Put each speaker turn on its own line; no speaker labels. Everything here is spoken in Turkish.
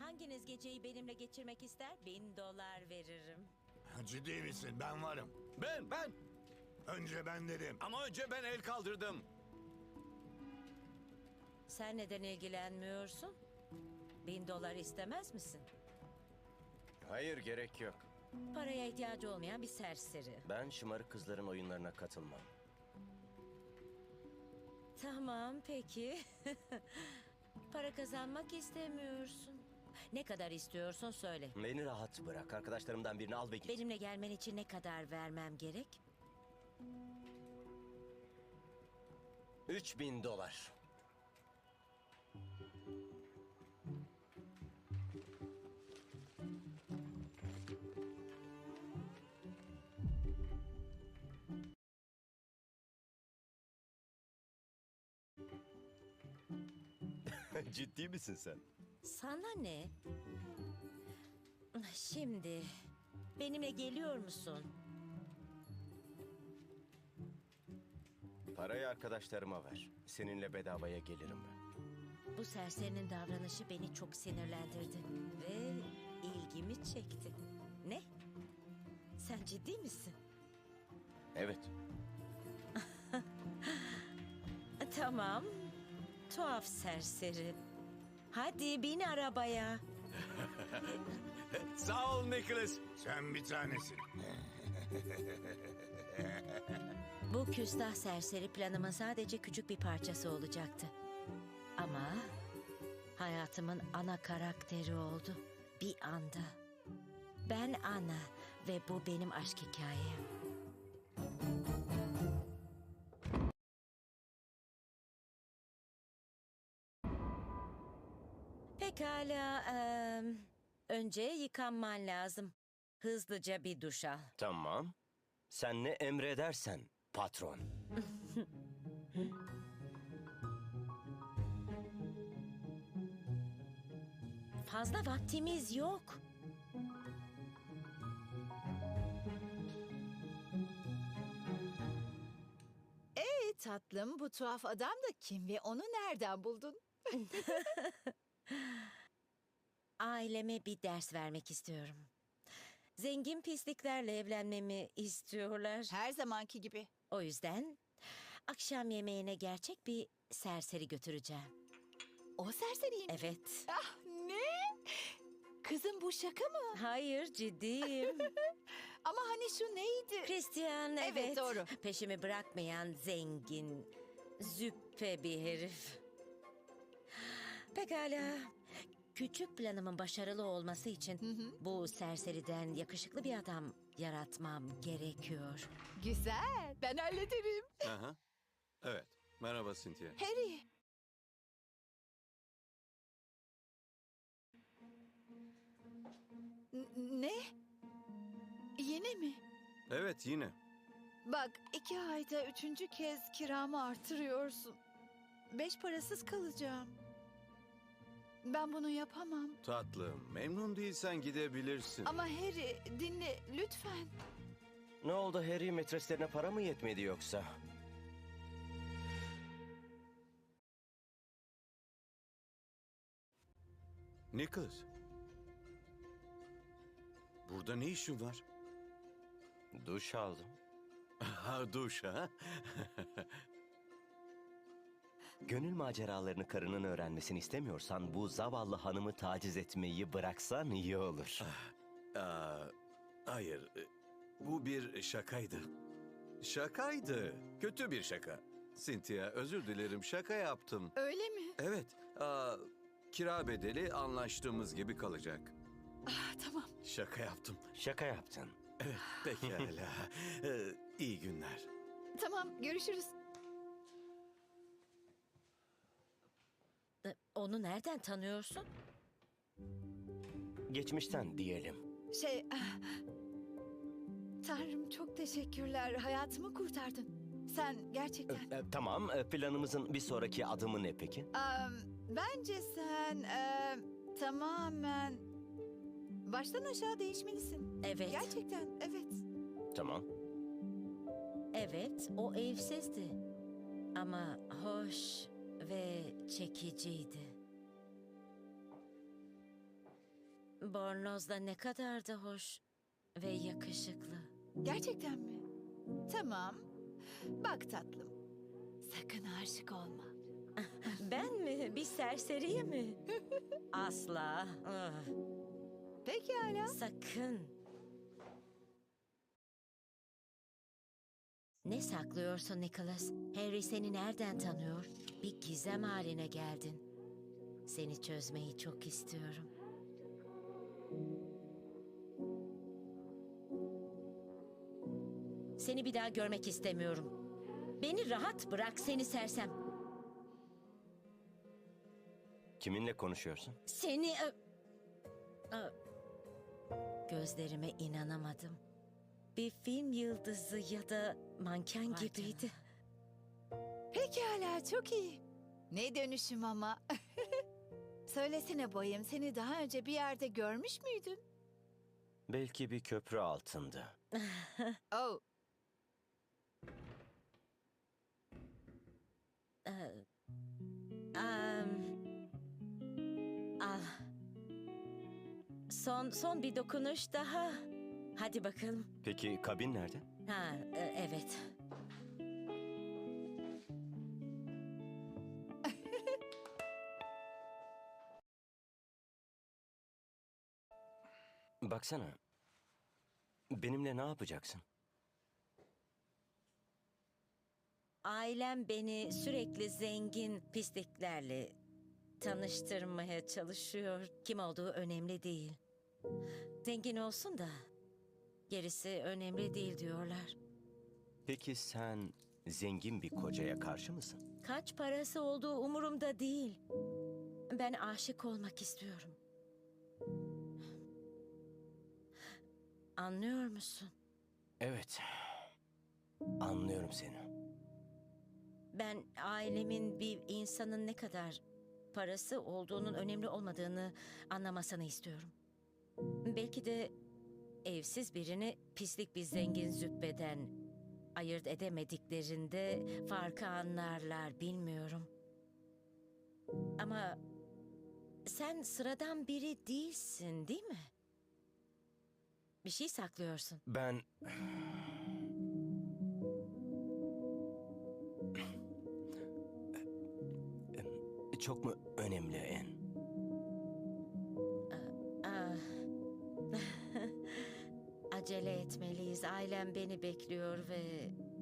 Hanginiz geceyi benimle geçirmek ister? $1000 veririm.
Ciddi misin? Ben varım.
Ben.
Önce ben dedim.
Ama önce ben el kaldırdım.
Sen neden ilgilenmiyorsun? $1000 istemez misin?
Hayır, gerek yok.
Paraya ihtiyacı olmayan bir serseri.
Ben şımarık kızların oyunlarına katılmam.
Tamam, peki. Para kazanmak istemiyorsun. Ne kadar istiyorsun söyle.
Beni rahat bırak. Arkadaşlarımdan birini al ve git.
Benimle gelmen için ne kadar vermem gerek?
$3000. Ciddi misin sen?
Sana ne? Şimdi benimle geliyor musun?
Parayı arkadaşlarıma ver. Seninle bedavaya gelirim ben.
Bu serserinin davranışı beni çok sinirlendirdi ve ilgimi çekti. Ne? Sen ciddi misin?
Evet.
Tamam. Tuhaf serseri. Hadi bin arabaya.
Sağ ol Nicholas.
Sen bir tanesin.
Bu küstah serseri planımın sadece küçük bir parçası olacaktı. Ama hayatımın ana karakteri oldu. Bir anda. Ben Ana ve bu benim aşk hikayem. Pekala. Önce yıkanman lazım. Hızlıca bir duş al.
Tamam. Sen ne emredersen patron.
Fazla vaktimiz yok.
Tatlım, bu tuhaf adam da kim ve onu nereden buldun?
Aileme bir ders vermek istiyorum. Zengin pisliklerle evlenmemi istiyorlar.
Her zamanki gibi.
O yüzden akşam yemeğine gerçek bir serseri götüreceğim.
O serseriyim.
Evet.
Ah, ne? Kızım, bu şaka mı?
Hayır, ciddiyim.
Ama hani şu neydi?
Christian,
Evet,
evet.
doğru.
Peşimi bırakmayan zengin, züppe bir herif. Pekala. Küçük planımın başarılı olması için bu serseriden yakışıklı bir adam yaratmam gerekiyor.
Güzel, ben hallederim.
Aha. Evet. Merhaba Cynthia.
Harry. Ne? Yine mi?
Evet, yine.
Bak, 2 ayda 3. kez kiramı artırıyorsun. 5 parasız kalacağım. Ben bunu yapamam.
Tatlım, memnun değilsen gidebilirsin.
Ama Harry, dinle lütfen.
Ne oldu Harry, metreslerine para mı yetmedi yoksa?
Nicholas. Burada ne işin var?
Duş aldım.
Ha, duş ha?
Gönül maceralarını karının öğrenmesini istemiyorsan bu zavallı hanımı taciz etmeyi bıraksan iyi olur.
Hayır, bu bir şakaydı. Şakaydı. Kötü bir şaka. Cynthia, özür dilerim, şaka yaptım.
Öyle mi?
Evet, kira bedeli anlaştığımız gibi kalacak.
Tamam.
Şaka yaptım.
Şaka yaptın.
Evet, pekala. İyi günler.
Tamam, görüşürüz.
Onu nereden tanıyorsun?
Geçmişten diyelim.
Tanrım, çok teşekkürler. Hayatımı kurtardın. Sen gerçekten...
Tamam, planımızın bir sonraki adımı ne peki?
Bence sen tamamen baştan aşağı değişmelisin.
Evet.
Gerçekten, evet.
Tamam.
Evet, o evsizdi. Ama hoş ve çekiciydi. Bornoz da ne kadar da hoş ve yakışıklı.
Gerçekten mi? Tamam. Bak tatlım. Sakın aşık olma.
Ben mi? Bir serseriye mi? Asla.
Pekala.
Sakın. Ne saklıyorsun Nicholas? Harry seni nereden tanıyor? Bir gizem haline geldin. Seni çözmeyi çok istiyorum. Seni bir daha görmek istemiyorum. Beni rahat bırak seni sersem.
Kiminle konuşuyorsun?
Seni... Gözlerime inanamadım. Bir film yıldızı ya da manken gibiydi.
Pekala, çok iyi. Ne dönüşüm ama. Söylesene bayım, seni daha önce bir yerde görmüş müydün?
Belki bir köprü altında.
Oh,
Al. Son bir dokunuş daha. Hadi bakalım.
Peki kabin nerede?
Evet.
Baksana. Benimle ne yapacaksın?
Ailem beni sürekli zengin pisliklerle tanıştırmaya çalışıyor. Kim olduğu önemli değil. Zengin olsun da gerisi önemli değil diyorlar.
Peki sen zengin bir kocaya karşı mısın?
Kaç parası olduğu umurumda değil. Ben aşık olmak istiyorum. Anlıyor musun?
Evet. Anlıyorum seni.
Ben ailemin bir insanın ne kadar parası olduğunun önemli olmadığını anlamasını istiyorum. Belki de evsiz birini pislik bir zengin züppeden ayırt edemediklerinde farkı anlarlar, bilmiyorum. Ama sen sıradan biri değilsin, değil mi? Bir şey saklıyorsun.
Ben... Çok mu önemli En?
Ah. Acele etmeliyiz. Ailem beni bekliyor ve